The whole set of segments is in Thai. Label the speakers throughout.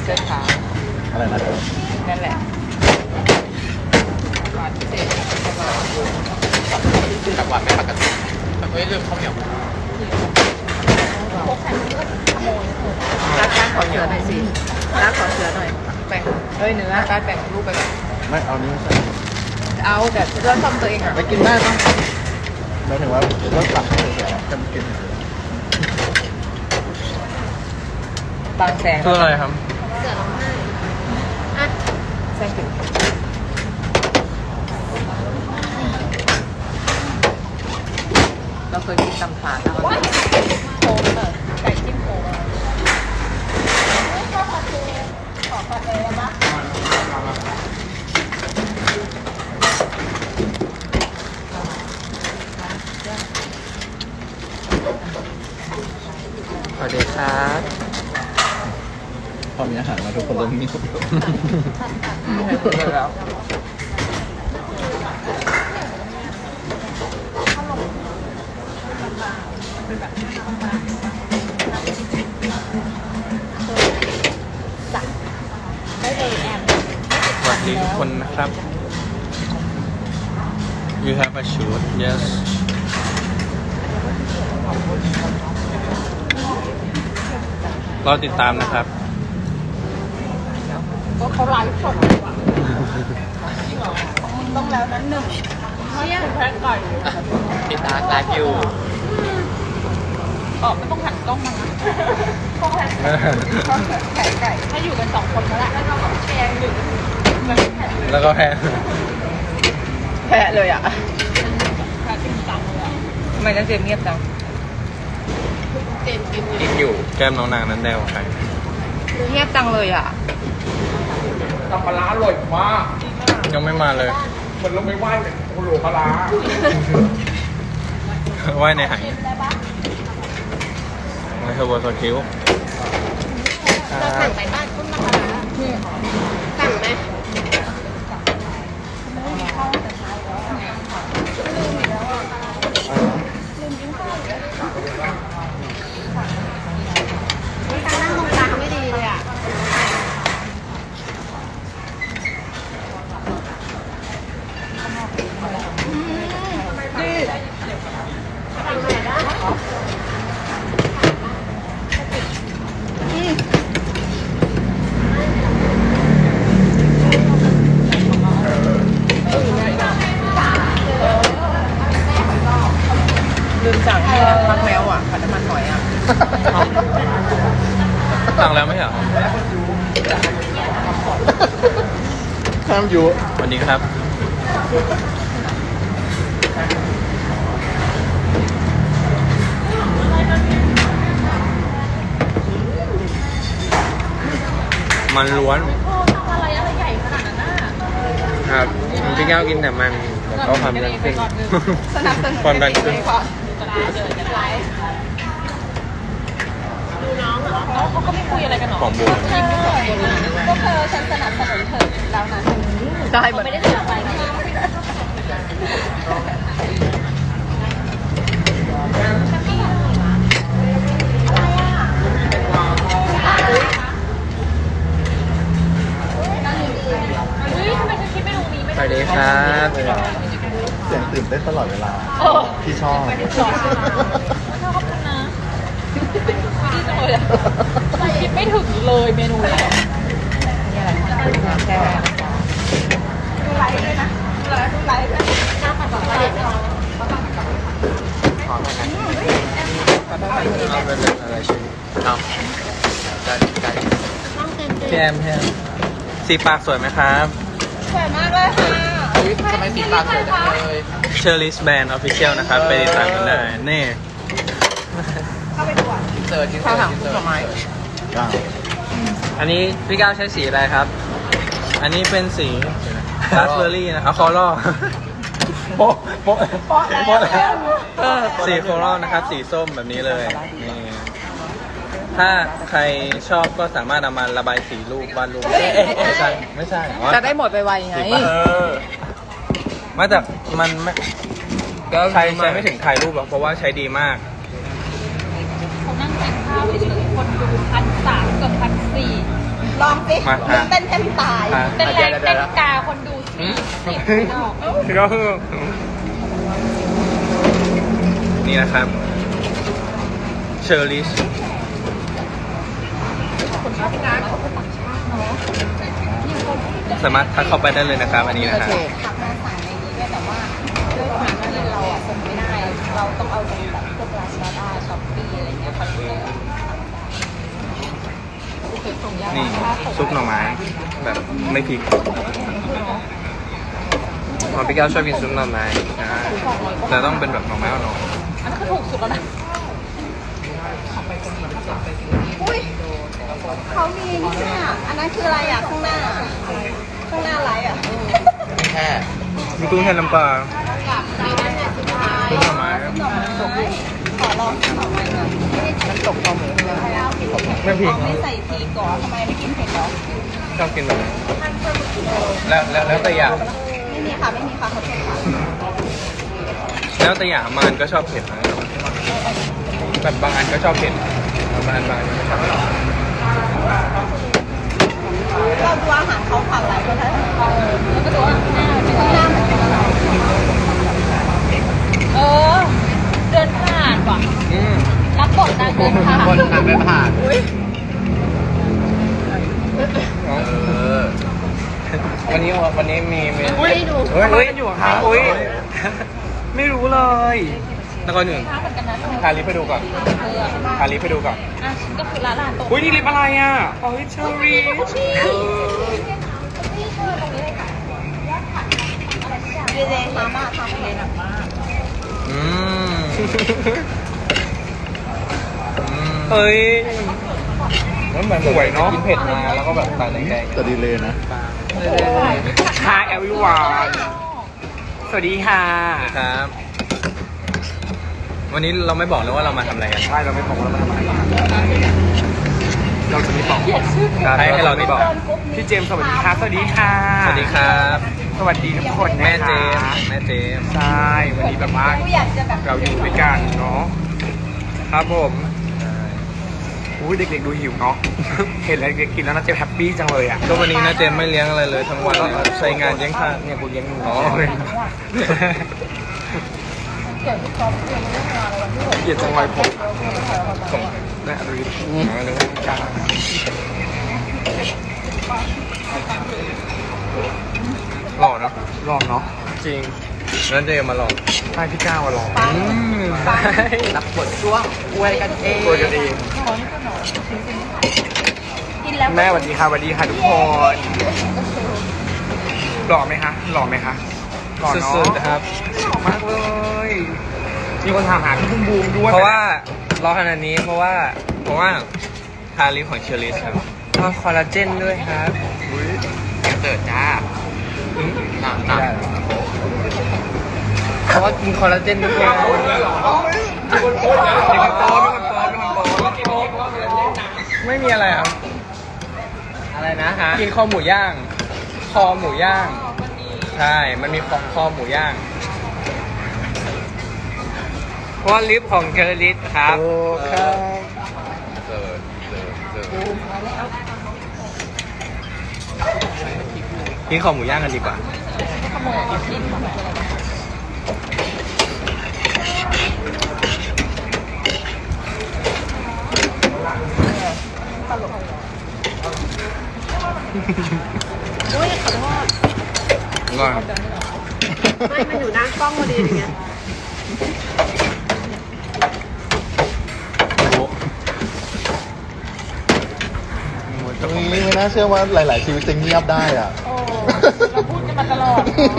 Speaker 1: เสื้อขาว
Speaker 2: อะไรนะ
Speaker 1: นั่นแหละหวานพิเศษ
Speaker 3: กับหวานไม่ปกติแต่ไม่เรื่องข้าวเหนียว
Speaker 1: รักขอเสือหน่อยสิรักขอเสือหน่อยแบ่งเนื้อการแบ่งรูปไปก่อน
Speaker 2: ไม่เอานี้ไม่ใช่
Speaker 1: เอาแบบเลือกซ่อมตัวเองอ่ะ
Speaker 2: ไปกินได้ปะหมายถึงว่าเราสั่งเฉยๆจะมากิน
Speaker 1: บางแสง
Speaker 3: คืออะไรครับ
Speaker 4: เสือร้องไห้อ่ะ
Speaker 1: แสงถึงเราเคยกินตำถาดแล้ว
Speaker 4: โค้งเลยไก่จิ้มโค้งขอผัดเลยนะ
Speaker 3: สวัสดีครับ
Speaker 2: พอมีอาหารมาทุกคนเริ่มมีสุข
Speaker 1: แล้ว
Speaker 4: ได้เลยแอม
Speaker 3: สวัสดีทุกคนนะครับ You have a shoot yes รอติดตามนะครับ
Speaker 4: ก็เขาไลฟ์สดว่ะมึงต้องแล้วนั้นหนึ่งเขาอยากแพ้ไก่
Speaker 3: ติดตามไลฟ์อยู่
Speaker 4: ไม่ต้องหันกล้องมานะต้องแพ้ไก่ถ้าอยู่กัน2 คนแล้วแหละแล้วเราก็แชร์หนึ่ง
Speaker 3: แล้วก็แพ้
Speaker 1: แพ้เลยอ่ะ
Speaker 4: แพ้จริงจังเลย
Speaker 1: ทำไมนั่นเจมเงียบจัง
Speaker 4: เจนกิน
Speaker 3: กินอยู่ แก้มน้องนางนั้นแดวใคร
Speaker 1: เงียบจังเลยอ่ะ
Speaker 5: ตำปลาร้าอร่อยมาก
Speaker 3: ยังไม่มาเลย
Speaker 5: เหมือนเราไม่ไหว้เลยโอ้โหปลาร้า
Speaker 3: ว่ายในหายในเทอร์โบโซคิว
Speaker 4: เราสั่งไปบ้านคุณมาสั่งไหมการนั่งตรงกลางไม่ดีเลยอ่ะทำไมนะ
Speaker 1: ลืมสั่งให้นะพักแมวอ่ะผัดน้ำมันหอยอ่ะ
Speaker 3: สั่งแล้วไม่ใช่เหรอ
Speaker 2: ข้ามอยู่
Speaker 3: สวัสดีครับ มันล้วน
Speaker 4: ทำอะไรใหญ่ขนาดนั้นน่ะ
Speaker 3: ครับพี่แก้วกินแต่มันก็ความดันขึ้น
Speaker 1: สนับสนุน
Speaker 3: ความดันขึ้น
Speaker 1: ก่อน
Speaker 4: ดูน้องเหรอน้องเขาก็ไม่คุยอะไรกันหรอ
Speaker 3: ของบูม
Speaker 4: ก็เธอฉันสนับสนุนเธอแล้วนะ
Speaker 1: ได้เหมือน
Speaker 4: ไม่ได้เสียไปนะเฮ้ยทำไมเธอคิดเมนูนี้ไม่
Speaker 3: สวัสดีครับ
Speaker 2: เสียงตื่นเต้นตลอดเวลาที่ชอบ
Speaker 4: ชอบขอบคุณนะดีจังเลยอ่ะคิดไม่ถึงเลยเมนูนี้
Speaker 1: นี่อะไรแค่
Speaker 4: ดูไลฟ์ด้วยนะดูไลฟ์ด้วยหน้าผัดกะเพราเด็ดเลย
Speaker 3: เอาไปเลยอะไรชิ้นเอาได้ได้
Speaker 4: ต้องเต็มเลย
Speaker 3: พี่แอมพี่แอมสีปากสวยไหมครับ
Speaker 4: สวยมากเลยค่ะ
Speaker 3: ทำไมสีปากสวยจังเลยเชอร์ลิสแบนด์ออฟฟิเชียลนะครับ ไปติดตามกันได้นี่
Speaker 4: เข้าไปดูอ่ะ
Speaker 3: เสิร์ชกิน
Speaker 1: ข้า
Speaker 3: เสิ
Speaker 1: ว
Speaker 3: ร์
Speaker 1: ถั
Speaker 3: ช
Speaker 1: ง
Speaker 3: กิน
Speaker 1: ผ
Speaker 3: เสิร์ช
Speaker 1: ลไม้
Speaker 2: ก้าว
Speaker 3: อันนี้พี่ก้าวใช้สีอะไรครับ อันนี้เป็นสีราสเบอร์รี่นะเอาคอร่โป๊ะโป๊ะโป๊ะสีโคลอนะครับ สีส้มแบบนี้เลยนี่ถ้าใครชอบก็สามารถนำมาระบายสีรูปวาดรูปไม่ใช่อ๋อ
Speaker 1: จะได้หมดไวๆไง
Speaker 3: มาจากมันไม่ใช้ไม่ถึงถ่ายรูปหรอกเพราะว่าใช้ดีมาก
Speaker 4: เขานั่งกินข้าวเฉยๆคนดู1,300เกือบ1,400
Speaker 6: ลองสิ
Speaker 3: มา
Speaker 6: เต้นแทบตาย
Speaker 4: เต้นแรงเต้นกาคนดูสิสิบ
Speaker 3: ก็คือนี่นะครับเชอร์ลิชสามารถทักเข้าไปได้เลยนะครับ อันนี้นะครับ
Speaker 6: ขับมาสั่งในนี้ด้วยแต่ว่าด้วยความที่เราอ่ะส่งไม่ได้ เราต้องเอาจากแบบพวกลาซาด้าช้อปปี้อะไรเงี้ยค่ะ
Speaker 3: นี่ซุปหน่อไม้แบบไม่พริกพอพี่แก้วชอบกินซุปหน่อไม้แต่ต้องเป็นแบบหน่อไม้อ่อน
Speaker 4: อันนั้นคือถูกสุดแล้วนะ
Speaker 6: อุ้ยเขามีนี่เนี่ยอันนั้นคืออะไรอ่ะข้างหน้าอะไรอ่ะ
Speaker 2: แค่
Speaker 3: ๆมีกุ้งแห้งน้ำปลา
Speaker 6: กับมีนั่นน่ะสุดท้าย
Speaker 3: ซุปหน่อไม้
Speaker 6: หน่อไม้ขอลองหน่อไม้หน่อย
Speaker 2: น้ำตกคอหมู
Speaker 3: ไม่พริก
Speaker 6: ไม่ใส่พริกก่อนทำไมไม่กินเผ็ดหรอ
Speaker 3: ชอบกินแบบนี้แล้วแต่อย่าง
Speaker 6: ไม่มีค่ะไม่มีค่ะขอโทษค่ะ
Speaker 3: แล้วแต่อย่างมันก็ชอบเผ็ดนะแบบบางอันก็ชอบเผ็ดบางอันก็ชอบเผ็ด
Speaker 6: เราดูอาหารเขาผ่านหลายประเทศ
Speaker 4: แล้วก็ดูว่าหน้าเป็นยังไง
Speaker 6: หน้าเหมือนกัน
Speaker 4: เออ เดินผ่านว่ะ รับบทนางเดินผ่าน
Speaker 2: คนทำไม่ผ่าน
Speaker 3: วันนี้มี
Speaker 6: ไม่ดู
Speaker 3: เฮ้ยอยู่ครับอุ้ยไม่รู้เลยแล้วก็หนึ่ง
Speaker 4: ภาพเหมือนกันนะ
Speaker 3: ทาลิปให้ดูก่อนทาลิปให้ดูก่อน
Speaker 4: อ่ะฉันก็คือร้านตรง
Speaker 3: อุ้ยนี่ลิปอะไรอ่ะเฮ้ยเชอรี่
Speaker 6: เยเดมาม่าทำเองมาก
Speaker 3: เฮ้ยมันเหมือนสวยเนาะกินเผ็ดมาแล้วก็แบบตาแดง
Speaker 2: จะดีเลยนะ
Speaker 3: ๆ Hi everyone สวัสดีค่ะครับ วันนี้เราไม่บอกเลยว่าเรามาทำอะไรกันใช่เราไม่บอกว่าเรามาทำอะไรเราจะไม่บอกให้เราไม่บอกพี่เจมส์สวัสดีครับสวัสดีค่ะสวัสดีครับ สวัสดีทุกคนแม่เจมส์ใช่วันนี้แบบว่า
Speaker 6: กูอยากจะแบบ
Speaker 3: เราอยู่ด้วยกันเนาะครับผมอุ้ยเด็กๆดูหิวเนาะ เห็นอะไรเด็กกินแล้วน่าจะแฮปปี้จังเลยอ่ะก็วันนี้นะเจมไม่เลี้ยงอะไรเลยทั้งวันใช้งานเลี้ยงข้าวเนี่ยกูเลี้ยงอ๋อเกลียดจังเลยผมส่งแม่ดูดิหล่อเนาะหล่อเนาะจริงแล้วเจมาหล่อใช่พี่ก้าวมาหล่อรับบทช่วงอวยกันเอง
Speaker 6: กินแล้ว
Speaker 3: แม่สวัสดีค่ะสวัสดีค่ะทุกคนหล่อไหมคะหล่อไหมคะหล่อเนาะสุดๆครับหล่อมากเลยมีคนถามหาพี่บุ้มบูมด้วยเพราะว่ารอขนาดนี้เพราะว่าทาลิปของเชอริสครับก็คอลลาเจนด้วยครับเติร์ดจ้าหนักเพราะว่ากินคอลลาเจนด้วยไม่มีอะไรครับอะไรนะฮะกินคอหมูย่างใช่มันมีคอหมูย่างเพราะลิปของเชอริสครับกินคอหมูย่างกันดีกว่า
Speaker 1: อุ้ยขอโทษ
Speaker 3: ก่อน
Speaker 1: ไม่มันอยู่หน้ากล้องพอดีอย่างเงี้ย
Speaker 2: ตรงนี้ไม่น่าเชื่อว่าหลาย ๆ ชีวิตจะเงียบได้อ่ะ
Speaker 4: โอ้เราพูดกันมาตลอด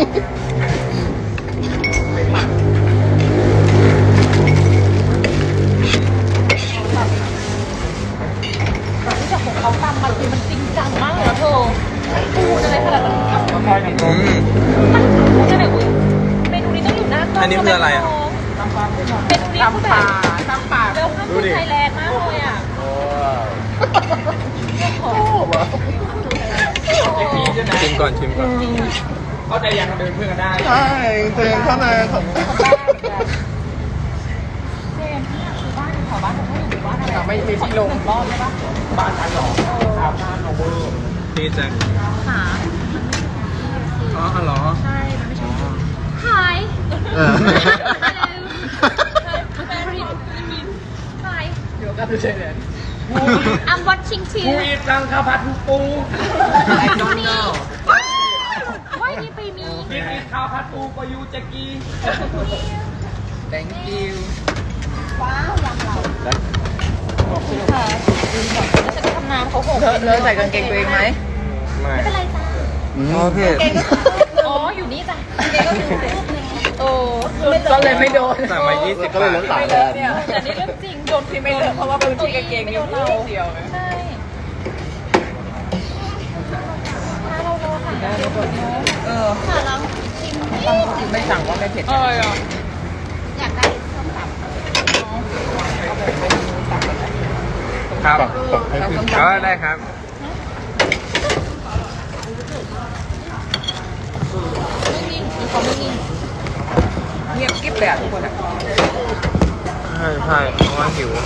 Speaker 4: รู้จักของเขาตามมาคือมันจริงจังมากเลยนะเธอพูดอะไรขนาดนั้นพูดอะไรอุ้ยเมนูนี้ต้องอยู่หน้ากล้อง
Speaker 3: อันนี้คืออะไรอ่ะ
Speaker 4: เมนูนี้คือแบบเร็วข้ามคือไทยแลนด์มากเลยอ่ะ
Speaker 3: ชิมก่อน
Speaker 5: เข้าใจยังเดินเพื่อนกันได้
Speaker 2: ใช่เจนเข้าในของ
Speaker 4: เจมที่คือบ้านแถวบ้านเขาอยู่บ้านอะไร
Speaker 5: ไม่มีที่ลง
Speaker 4: รอบใช่ปะ
Speaker 5: บ้านฉันหรออาบน้ำหนองบัว
Speaker 3: พี่แจ็ค
Speaker 4: หา
Speaker 3: อ๋อเหรอ
Speaker 4: ใช่ มันไม่ใช่ หาย
Speaker 2: เออ
Speaker 4: Hi
Speaker 1: เดี๋ยวก็จะเฉยเลย
Speaker 4: I'm watching
Speaker 5: กู
Speaker 4: too
Speaker 5: อีตังข้าวผัดปู
Speaker 3: I don't know
Speaker 4: ว่ายนี่ไปมี
Speaker 5: กินอีข้าวผัดปูปยูแจ็กกี้
Speaker 1: thank you
Speaker 6: ว้าวยำเรา
Speaker 4: ค่ะแล้วฉันทำน้ำเขาหก
Speaker 1: เลอะใส่กางเกงตัวเองไหม
Speaker 3: ไม่
Speaker 4: ไม่เป็นไรจ้า
Speaker 3: โอเค
Speaker 4: อ๋อ อยู่นี่จ้ะเกงก็อยู่รูปนึงโอ้
Speaker 1: ก็เลยไม่โดน
Speaker 3: สั่งมา20
Speaker 2: ก็เลยเหลือ
Speaker 3: บาท
Speaker 2: 3 แทน
Speaker 4: แต่นี่เรื่องจริง โดน
Speaker 1: ที่ไม่เลอะเพราะว่าพื้นที่กางเกงนิ้วเดียว
Speaker 4: ใช่ถ้าเราสั่งได้เรากดเนาะ
Speaker 1: เออ
Speaker 4: ค่ะเราชิม
Speaker 1: ไม่สั่งว่าไม่เผ็ด
Speaker 4: อยากได้ส้มตำ
Speaker 3: ครับ
Speaker 2: ตักให้ขึ้น
Speaker 3: ก็ได้ครับ
Speaker 4: ไม่นิ่งมีความไม่นิ่ง
Speaker 1: เงียบกิ๊บเลยอ่ะทุกคนอ่ะ
Speaker 3: ใช่ใช่เพราะว่าหิว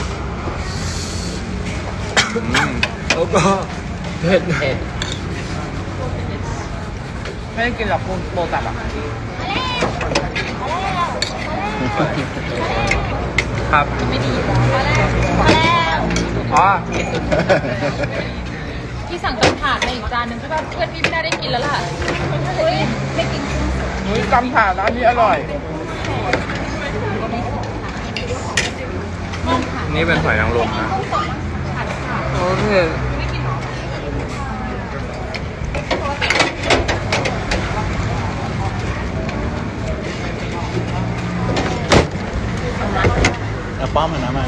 Speaker 3: แล้วก็เผ็ด
Speaker 1: ไม่ได้กินหรอกโบตับอ่ะ
Speaker 3: ครับ
Speaker 4: ไม่ดีพอแล้วพอแล้ว
Speaker 3: อ๋อ
Speaker 4: พี่สั่งจานถาดมาอีกจานหนึ่งใช่ป่ะเพื่อนพี่ไม่น่าได้กินแล้วล่ะไม่กิน
Speaker 1: นุ้ยกำผ่าร้านนี้อร่อย
Speaker 3: นี่เป็นหอยนางรมนะโอเค
Speaker 2: เอาป้อมมันนะมา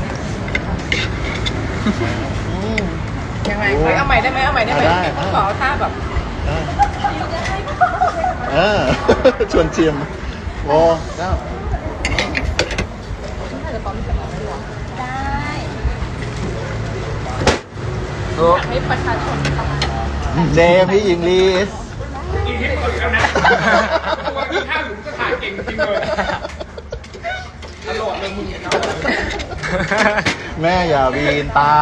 Speaker 1: ยังไงเฮ้ยเอาใหม่ได้ไหมเอาใหม่ได้ไหม
Speaker 2: ได้
Speaker 1: ขอท่าแบบ
Speaker 2: ได้เออ ชวนชิมโอ้เจ้า
Speaker 4: ได้
Speaker 3: โอ้
Speaker 4: ให้ประชาชนทำ
Speaker 2: เจพี่อิงลิส
Speaker 5: กินที่เปิดแล้วนะตัวกินข้าวอยู่ก็ถ่ายเก่งจริงเลยอร่อยเลยมึงเนี่ยนะ
Speaker 2: แม่อย่าวีนตา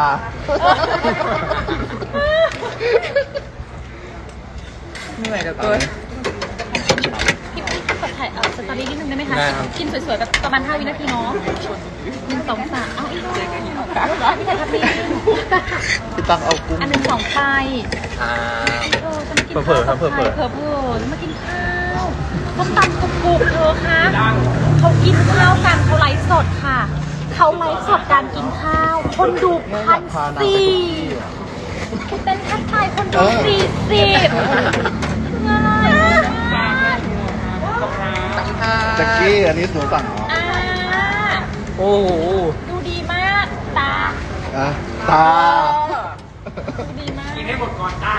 Speaker 1: เหนื่อยเหลือเกิน
Speaker 4: พี่กดถ่ายสตอรี่นิดนึงได้ไหมคะ
Speaker 3: ได้ครับ
Speaker 4: กินสวยๆแบบประมาณ5 วินาทีเนาะ1 2 3เอาอีกหน่อยพี่ถ่ายครับพี่
Speaker 2: พี่ตักเอากุ้ง
Speaker 4: อัน1 2ไป
Speaker 3: อ่า
Speaker 4: จะมากิน
Speaker 3: เผลอๆครับเผลอๆ
Speaker 4: เผลอๆจะมากินข้าวต้มตำกรุบๆเธอคะเขากินข้าวกันเขาไลฟ์สดค่ะเขาไลฟ์สดการกินข้าว คนดู1,400เต้นทักทายคนดู40
Speaker 2: แจ็คกี้อันนี้หนูสั่งเหรอ
Speaker 4: อ่า
Speaker 3: โอ้โห
Speaker 4: ดูดีมาก ตา
Speaker 2: อ่ะตา
Speaker 4: ดูดีมาก
Speaker 5: กินให้หมดก่อนตา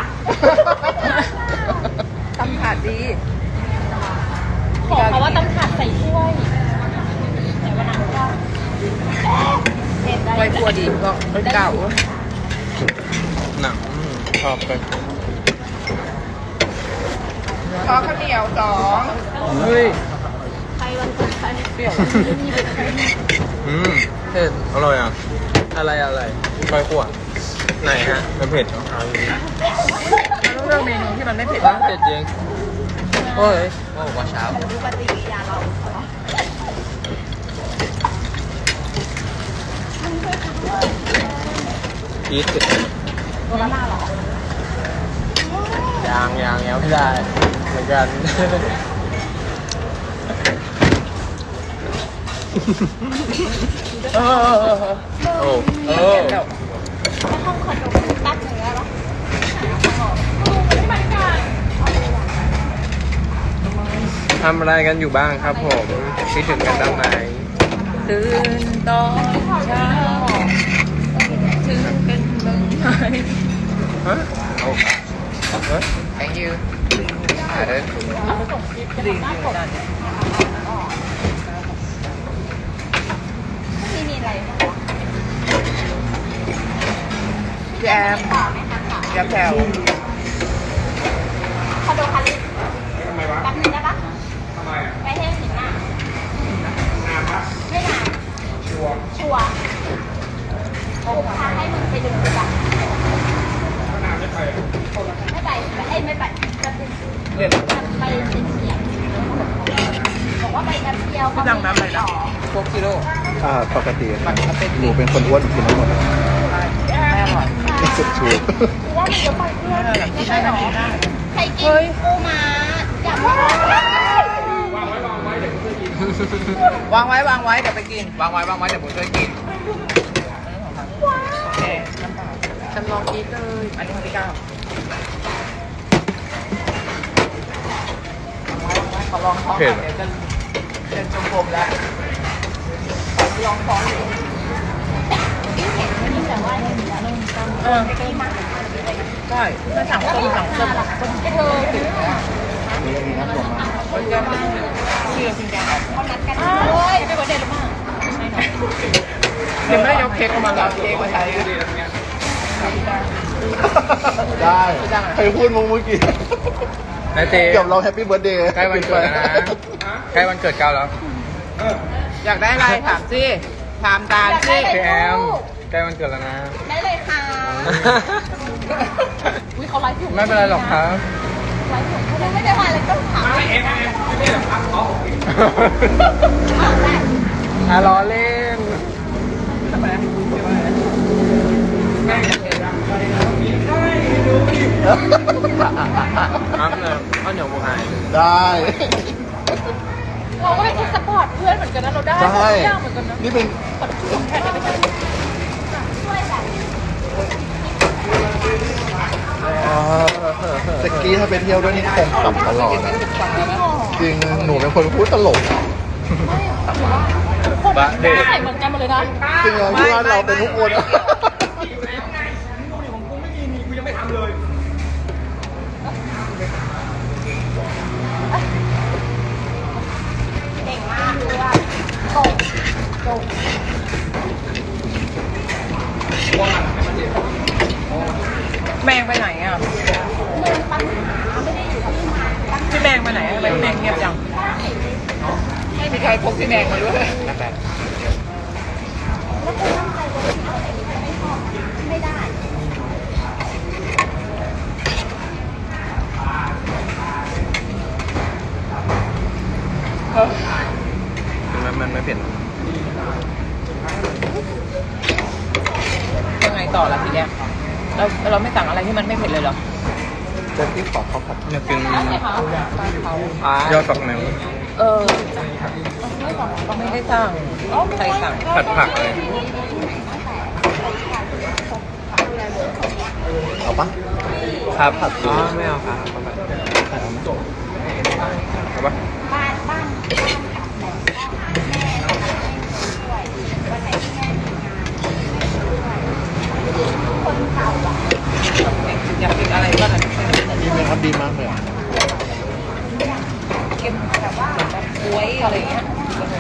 Speaker 1: ตำถาดดี
Speaker 4: ขอเขาว่าต้องขาดใส่ถ้วยแต่วันนั้นก็เผ็ดได้
Speaker 1: ไว้ครัวดีก็เก่า
Speaker 3: หนังชอบไป
Speaker 1: ขอข้าวเหนียว2เฮ้ย
Speaker 4: ใครวันเกิดใคร
Speaker 1: เปรี้ยว
Speaker 3: เผ็ดอร่อยอ่ะ อะไรก้อยขั่วไหนฮะมันเผ็ดเหรอเอาอย่างนี้
Speaker 1: ต้องเลือกเมนูที่มันไม่เผ็ด
Speaker 3: ว่าเผ็ดจริงโอ้ยโอ้ว่าเช้าอีทเผ็ดยังไม่ได้เหมือนกัน
Speaker 1: เออ
Speaker 3: โอ้โอ้
Speaker 4: ห้องคอนโดตัดเนื้อหรอไม่เหมือนกัน
Speaker 3: ทำอะไรกันอยู่บ้างครับผมคิดถึงกันบ้างไหม
Speaker 1: ตื่นตอนเช้าถึงเป็นเมืองไทย
Speaker 3: ฮะโอ้เฮ้ย
Speaker 1: thank you เดินดีด้าน
Speaker 6: มีอะไร
Speaker 1: แจมแจมแถว
Speaker 6: คอนโดคาริ
Speaker 5: ทำไมวะ
Speaker 6: แป๊บนึงได้ปะ
Speaker 5: ทำไมอ่ะ
Speaker 6: ไปให้ถึงหน้าน
Speaker 5: านปะ
Speaker 6: ไม่นาน
Speaker 5: ชัวร์
Speaker 6: ชัวร์กูพาให้มึงไปดูดีกว่า
Speaker 5: ก็นานไม่ไปอ่ะ
Speaker 3: กิโล
Speaker 2: ปกติครับหนูเป็นคนอ้วนกินทั้งหมด
Speaker 1: แม่อร่อย
Speaker 2: สุดชู
Speaker 6: ใครกินปูม้าอยากว่า
Speaker 1: วางไว้เดี๋ยวไปกิน
Speaker 3: วางไว้เดี๋ยวผมช่วยกิน
Speaker 1: โอเคฉันลองกินเลยอันนี้คนที่ 9ขอลองท้อง
Speaker 3: เผ็ด
Speaker 1: เดี๋ยวจะเป็นชมพูแล้วลองท้องดูใช่ถ้าสั่งต้มสั่งเส้น
Speaker 2: นี่มีน้ำถั่วมา
Speaker 1: คนจะเชื่อจริงจัง
Speaker 6: โอ้ยไปเบอร์เดย์หรือเปล่า
Speaker 1: เดี๋ยวไม่ได้ยกเค้กออกมาหรอกเค้กมาใช้
Speaker 2: ได้ใครพูดมึงเมื่อกี้
Speaker 3: นายเจ
Speaker 2: เกือบเราแฮปปี้เบิร์ดเดย์
Speaker 3: ใกล้วันเกิดแล้วนะใกล้วันเกิดเก้าแล้ว
Speaker 1: อยากได้อะไรถามสิถามตาลสิ
Speaker 3: พี่แอมใกล้วันเกิดแล้วนะ
Speaker 6: ได้เลยค่ะอุ้ยเขาไลฟ์อยู่
Speaker 3: ไม่เป็นไรหรอกครับ
Speaker 6: ไลฟ์อยู่เขาไม่ได้มาเลยก็ถามได้
Speaker 3: ล้อเล่น ครับเลยข้าวเหนียวหมูหาย
Speaker 2: ได้
Speaker 6: เราก็เป็นคนสปอร์ตเพื่อนเหมือนกันนะเราได้
Speaker 2: ได้
Speaker 6: ทุกอย่างเหมือนกันนะ
Speaker 2: นี่เป็น
Speaker 6: แค่ไหนไม่ใช่
Speaker 2: สกี้ถ้าไปเที่ยวด้วยนี่คงขำตลอดนะจริงหนูเป็นคนพูดตลก
Speaker 6: คนใส่เหมือนกันหมดเลยนะ
Speaker 2: จริงเหรอที่ว่าเราเป็นทุกคน
Speaker 6: เก่งมากเลยอ่ะตก
Speaker 1: แมงไปไหนอ่ะพี่แมงไปไหนทำไมพี่แมงเงียบจังไม่มีใครพกพี่แมงมาด้วย
Speaker 6: ไม่ได้
Speaker 3: มันไม่เผ็ด
Speaker 1: ยังไงต่อล่ะทีเนี้ยเราไม่สั่งอะไรที่มันไม่เผ็ดเลยเหรอ
Speaker 2: เจ๊ที่ขอเขาผัด
Speaker 3: อยากกินยอดฝักแมว
Speaker 1: เออไม่ได้สั่งใครสั่ง
Speaker 3: ผัดผักเลย
Speaker 2: เอาปะ
Speaker 3: ครับผัดอ๋อไม่เอาครับเอาปะ
Speaker 1: อยากกินอะไรบ้างอ่ะ
Speaker 2: ดีไหมครับดีมากเลย
Speaker 1: เค็มแบบว่าแบบบ๊วยอะไรเงี้ย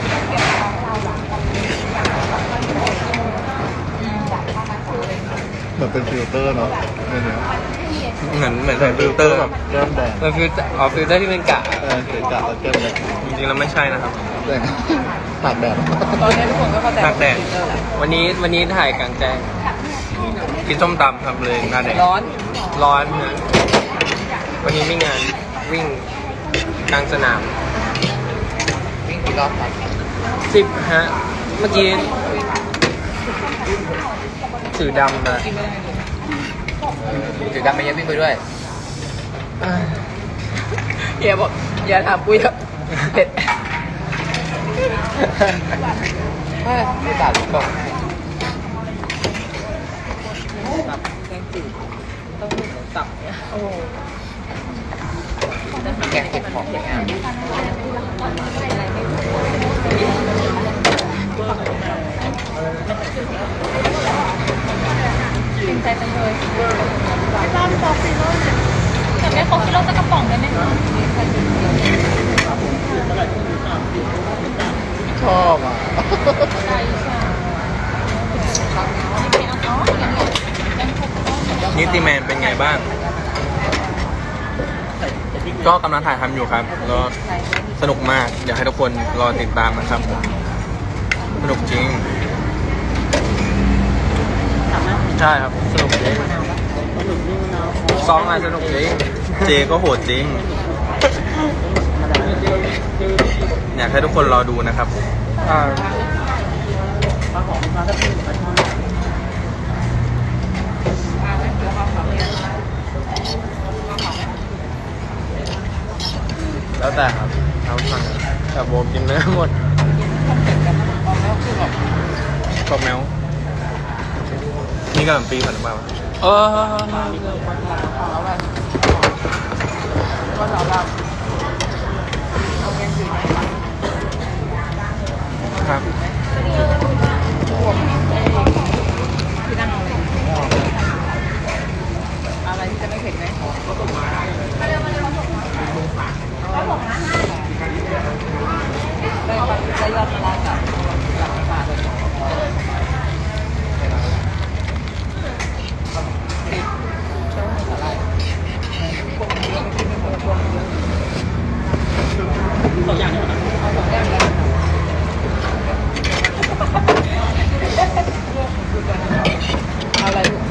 Speaker 2: เหมือนเป็นฟิลเตอร์เนาะเนี่ย
Speaker 3: เหมือนใส่ฟิลเตอร์
Speaker 2: แบบแก้มแดง
Speaker 3: มันฟิลเตอร์ฟิลเตอร์ที่เป็นกะ
Speaker 2: เกิดจากแล้วแก้มแดง
Speaker 3: จริงๆแล้วไม่ใช่นะครับ
Speaker 2: แดงตากแดด
Speaker 1: ตอนนี้ทุกคนก็เข้าใจ
Speaker 3: ตากแดด
Speaker 1: ฟิลเตอร์แหละ
Speaker 3: วันนี้ถ่ายกลางแจ้งกินส้มตำครับเลยหน้าแดง
Speaker 1: ร้อน
Speaker 3: ร้อนนะวันนี้ไม่งานวิ่งกลางสนาม
Speaker 2: วิ่งกี่รอบครับ
Speaker 3: 10ฮะ เมื่อกี้ถือดำมา
Speaker 1: กินไม่ได้เลย
Speaker 3: ถือดำไปยังวิ่งไปด้วย
Speaker 1: เฮียบอกอย่าถามปุ้ยครับเผ็ด
Speaker 3: ไม่ตัดก่อน
Speaker 1: ตับแกงจืดต้องมีตับเนี่ยโอ้
Speaker 3: แกงเก็บของอย่างเงี้ย
Speaker 6: เก่งใจจังเลยไม่บ้าไม่บอกฟิโร่เนี่ยแต่ไม่ครบฟิโร่สักกระป๋องได้ไหมคะ
Speaker 2: ชอบอ่ะ
Speaker 6: ใช่ใช่ไม่เอาอ๋ออย่างเงี้ยยังครบฟิโร่
Speaker 3: นิติแมนเป็นไงบ้าง ก็กำลังถ่ายทำอยู่ครับก็สนุกมาก อยากให้ทุกคนรอติดตามนะครับ สนุกจริง ใช่ครับ สนุกจริงซ้อมมาสนุกจริง เจก็โหดจริง อยากให้ทุกคนรอดูนะครับแล้วแต่ครับเอาสั่งแต่โบกินเนื้อหมดกรอบแมวนี่กะหล่ำปีผัดน้ำปลาครับ
Speaker 1: อะไรที่จะไม่เผ็ดไหมได้ยอดมาล้างกับปลาเลยเอาอะไรลูก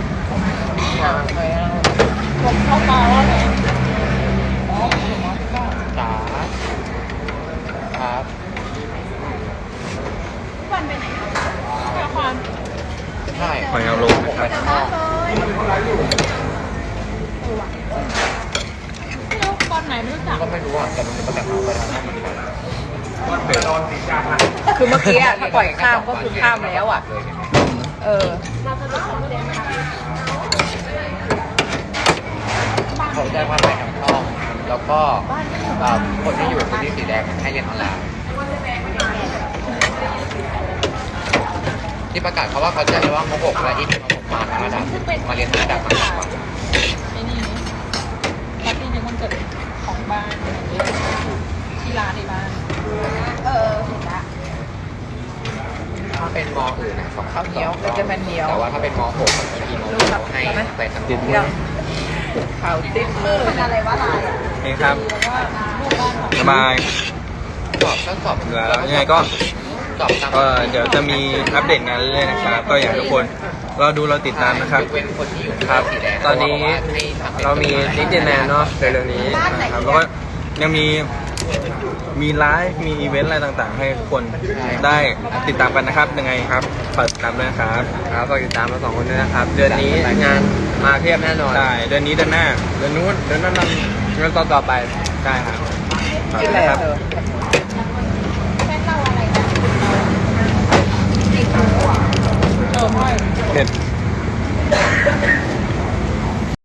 Speaker 1: ผมเข้ามาว่าไงอ๋อจ๋าครับ
Speaker 6: วันไปไหนละคร
Speaker 2: ใช่
Speaker 3: หอยนางรมนะครับ
Speaker 6: ไม่รู้ตอนไหนไม่รู้จัก
Speaker 2: ก็ไม่รู้อ่ะแต่มันมาจากเขาไปทางนั้นเหมือนกัน
Speaker 1: คือเมื่อกี้ถ้าปล่อยข้ามก็คือข้ามแล้วอ่ะ เออ
Speaker 2: เขาแจ้งว่าไปทางช่องแล้วก็คนที่อยู่พื้นที่สีแดงให้เรียนออนไลน์ที่ประกาศเขาว่าเขาจะเรียกว่าม.6 และอีกม.6 มาทั้งระดับมาเรียนทั้งระดับมากกว่า
Speaker 6: ไอ้นี่ปาร์ตี้ในวันเกิดของบ้านที่ร้านในบ้านเห็นละ
Speaker 2: ถ้าเป็นม.อื่นนะสอง
Speaker 1: ข้าวเหนียวก็จะเป็นเหนียว
Speaker 2: แต่ว่าถ้าเป็นม.6บางทีม.6ให้ไปทางติดมือ
Speaker 1: ข่าวติดมือ
Speaker 6: มันอะไรวะลาย
Speaker 3: นี่ครับ
Speaker 6: แล้วก็รูปบ้านของ
Speaker 3: สบาย
Speaker 2: สอบก็สอบ
Speaker 3: แล้วยังไงก็
Speaker 2: สอบตาม
Speaker 3: ก็เดี๋ยวจะมีอัปเดตงานเรื่อยๆนะครับ ก็อยากให้ทุกคนเราติดตามนะครับ
Speaker 2: ยกเว้นคนที่อยู่
Speaker 3: ครับ
Speaker 2: สีแดง
Speaker 3: ตอนนี้เรามีดิจิแนนเนาะเร็วๆนี้นะครับแล้วก็ยังมีไลฟ์มีอีเวนต์อะไรต่างๆ ให้ทุกคนได้ติดตามกันนะครับยังไงครับฝากติดตามด้วยนะครับครับฝากติดตามเรา2 คนด้วยนะครับ เดือนนี้งานมาเพียบแน่นอนใช่เดือนนี้เดือนหน้าเดือนนู้นเดือนนั้นเดือนต่อไปใช่ครับฝาก
Speaker 1: กิน
Speaker 3: ด้
Speaker 1: อะ
Speaker 3: วย
Speaker 1: ไร
Speaker 3: ครับ
Speaker 1: เธอ
Speaker 6: แม่เล่าอะไรนะ
Speaker 1: เออไม่
Speaker 3: เผ็ด